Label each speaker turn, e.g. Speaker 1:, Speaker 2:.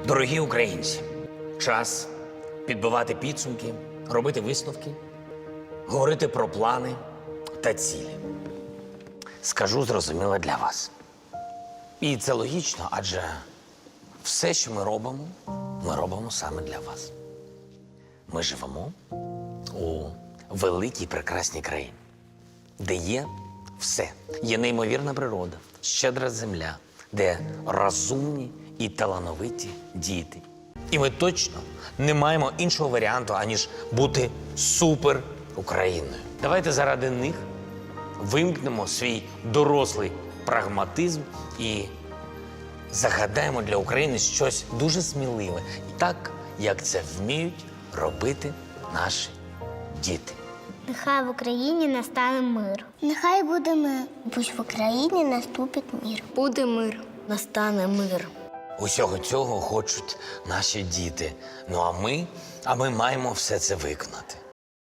Speaker 1: Дорогі українці, час підбивати підсумки, робити висновки, говорити про плани та цілі. Скажу зрозуміло для вас. І це логічно, адже все, що ми робимо саме для вас. Ми живемо у великій прекрасній країні, де є все. Є неймовірна природа, щедра земля, де розумні і талановиті діти. І ми точно не маємо іншого варіанту, аніж бути супер Україною. Давайте заради них вимкнемо свій дорослий прагматизм і загадаємо для України щось дуже сміливе, так, як це вміють робити наші діти.
Speaker 2: Нехай в Україні настане мир. Нехай буде мир. Пусть в Україні наступить мир.
Speaker 3: Буде мир. Настане мир.
Speaker 1: Усього цього хочуть наші діти. Ну а ми маємо все це виконати.